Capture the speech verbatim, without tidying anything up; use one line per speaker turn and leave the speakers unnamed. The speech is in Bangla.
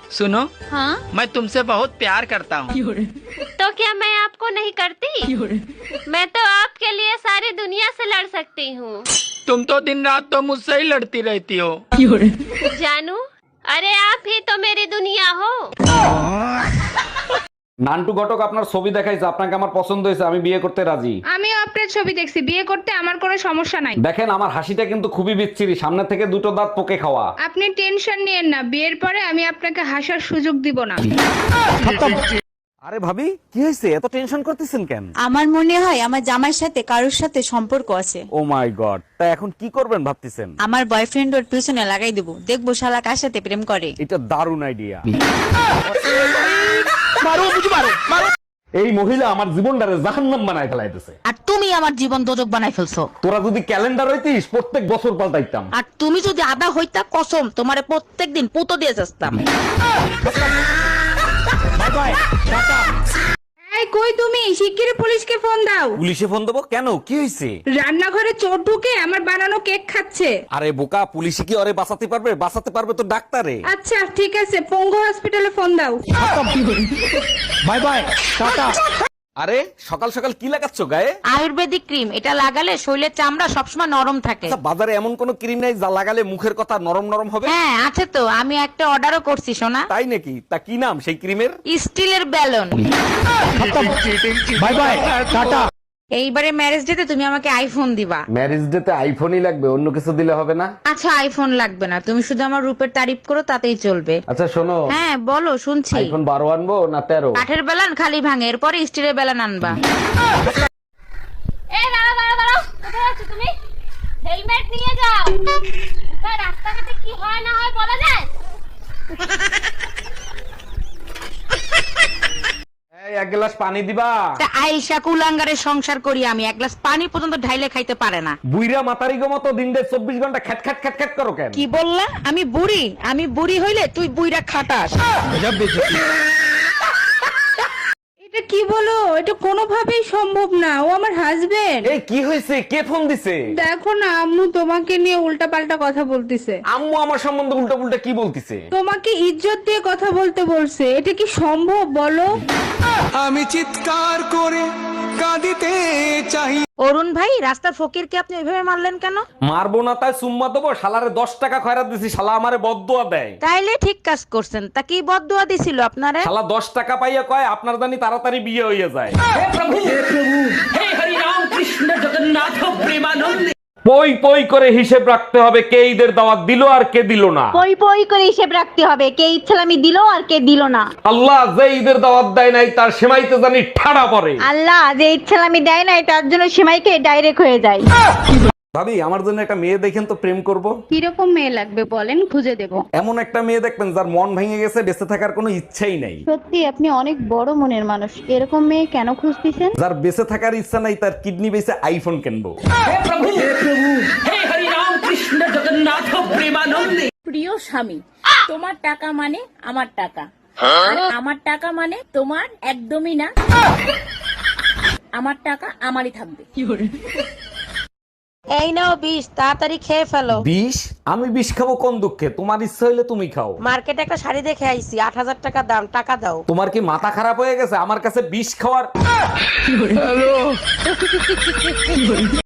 सुनो,
हाँ?
मैं तुमसे बहुत प्यार करता हूँ।
तो क्या मैं आपको नहीं करती? मैं तो आपके लिए सारी दुनिया से लड़ सकती हूँ।
तुम तो दिन रात तो मुझसे ही लड़ती रहती हो।
जानू, अरे आप ही तो मेरी दुनिया हो।
নান্টু ঘটক আপনার ছবি দেখাইছে, আপনাকে আমার পছন্দ হয়েছে, আমি বিয়ে করতে রাজি।
আমিও আপনার ছবি দেখছি, বিয়ে করতে আমার কোনো সমস্যা নাই।
দেখেন আমার হাসিটা কিন্তু খুবই বিচ্ছিরি, সামনে থেকে দুটো দাঁত পোকে খাওয়া।
আপনি টেনশন নিয়েন না, বিয়ের পরে আমি আপনাকে হাসার সুযোগ দিব না।
আরে ভাবি কি হয়েছে, এত টেনশন করতেছেন কেন?
আমার মনে হয় আমার জামাইয়ের সাথে কারোর সাথে সম্পর্ক আছে।
ও মাই গড, তা এখন কি করবেন ভাবতেছেন?
আমার বয়ফ্রেন্ড ওর পিছনে লাগাই দেবো, দেখবো শালা কার সাথে প্রেম করে।
এটা দারুণ আইডিয়া। এই মহিলা আমার জীবনটারে জাহান্নাম বানায় ফেলাইতেছে।
আর তুমি আমার জীবন দোজক বানাই ফেলছো।
তোরা যদি ক্যালেন্ডার হইতিস প্রত্যেক বছর পাল্টাইতাম।
আর তুমি যদি আদা হইতা কসম তোমারে প্রত্যেকদিন পুতো দিয়ে যাস্তাম।
এই কই তুমি, শিগগিরই পুলিশকে ফোন দাও।
পুলিশে ফোন দেবো কেন, কি হয়েছে?
রান্নাঘরে চোর ঢুকে আমার বানানো কেক খাচ্ছে।
আরে বোকা, পুলিশে কি ওরে বাঁচাতে পারবে? বাঁচাতে পারবে তো ডাক্তারে।
আচ্ছা ঠিক আছে, পঙ্গু হসপিটালে ফোন দাও।
Bye bye, tata. আরে সকাল সকাল কি লাগাচ্ছ গায়ে?
আয়ুর্বেদিক ক্রিম, এটা লাগালে শরীরের চামড়া সবসময় নরম থাকে।
আচ্ছা, বাজারে এমন কোন ক্রিম নাই যা লাগালে মুখের কথা নরম নরম হবে?
হ্যাঁ আছে তো, আমি একটা অর্ডারও করছি সোনা।
তাই নাকি? তা কি নাম সেই ক্রিমের?
স্টিলের ব্যালন।
Bye bye, tata.
এইবারে ম্যারেজ ডেতে তুমি আমাকে আইফোন দিবা।
ম্যারেজ ডেতে আইফোনই লাগবে, অন্য কিছু দিলে হবে না?
আচ্ছা আইফোন লাগবে না, তুমি শুধু আমার রূপের তারিফ করো তাতেই চলবে।
আচ্ছা শোনো,
হ্যাঁ বলো শুনছি।
আইফোন বারো আনবো না তেরো?
কাঠের বেলান খালি ভাঙে, এরপরে স্টিলের বেলান আনবা।
এ দাঁড়াও দাঁড়াও দাঁড়াও, কোথায় যাচ্ছ তুমি? হেলমেট নিয়ে যাও। তা রাস্তাঘাটে কি হয় না হয় বলা যায়?
এই এক গ্লাস পানি দিবা।
তা আইসা কুলাঙ্গারের সংসার করি আমি, এক গ্লাস পানি পর্যন্ত ঢাইলে খাইতে পারে না।
বুইরা মাতারি গো মতো দিন দেড় চব্বিশ ঘন্টা খ্যাট খ্যাট খ্যাট খ্যাট করো কেন?
কি বললা? আমি বুড়ি? আমি বুড়ি হইলে তুই বুইরা খাটাস।
এটা কি বলো, এটা কোনোভাবেই সম্ভব না, ও আমার হাজবেন্ড।
এই কি হয়েছে, কে ফোন দিছে?
দেখো না, আম্মু তোমাকে নিয়ে উল্টা পাল্টা কথা বলতেছে।
আম্মু আমার সম্বন্ধে উল্টা পুল্টা কি বলতিছে?
তোমাকে ইজ্জত দিয়ে কথা বলতে বলছে, এটা কি সম্ভব বলো?
আমি চিৎকার করে কাঁদিতে চাই।
অরুণ ভাই, রাস্তার ফকিরকে আপনি ওইভাবে মারলেন কেন?
মারবো না তাই সুম্মা দেবো? শালারে দশ টাকা খয়রাত দিছি, শালা আমারে বদদুয়া দেয়।
তাইলে ঠিক কাজ করছেন। তা কি বদদুয়া দিছিল আপনারে?
শালা দশ টাকা পাইয়া কয় আপনার জানি তাড়াতাড়ি বিয়ে হইয়া যায়। পই পই করে হিসেব রাখতে হবে, কে ঈদের দাওয়াত দিল আর কে দিল না।
পই পই করে হিসেব রাখতে হবে, কে ইচ্ছালামি দিল আর কে দিল না।
আল্লাহ যে ঈদের দাওয়াত দেয় নাই তার সেমাইতে জানি ঠাড়া পড়ে।
আল্লাহ যে ইচ্ছালামি দেয় নাই তার জন্য সীমাইকে ডাইরেক্ট হয়ে যায়।
ভাবি আমার জন্য একটা মেয়ে দেখেন তো, প্রেম করব।
কিরকম মেয়ে লাগবে বলেন, খুঁজে দেব।
এমন একটা মেয়ে দেখবেন যার মন ভেঙে গেছে, বেঁচে থাকার কোনো ইচ্ছাই নাই।
সত্যি আপনি অনেক বড় মনের মানুষ, এরকম মেয়ে কেন খুঁজতেছেন?
যার বেঁচে থাকার ইচ্ছা নাই, তার কিডনি বেঁচে আইফোন কিনবো।
প্রিয় স্বামী, তোমার টাকা মানে আমার টাকা, আর আমার টাকা মানে তোমার একদমই না। আমার টাকা আমারই থাকবে।
এই নাও বিষ, তাড়াতাড়ি খেয়ে ফেলো।
বিষ? আমি বিষ খাবো কোন দুঃখে? তোমার ইচ্ছা হইলে তুমি খাও।
মার্কেটে একটা শাড়ি দেখে আইছি, আট হাজার টাকা দাম, টাকা দাও।
তোমার কি মাথা খারাপ হয়ে গেছে আমার কাছে বিষ খাওয়ার?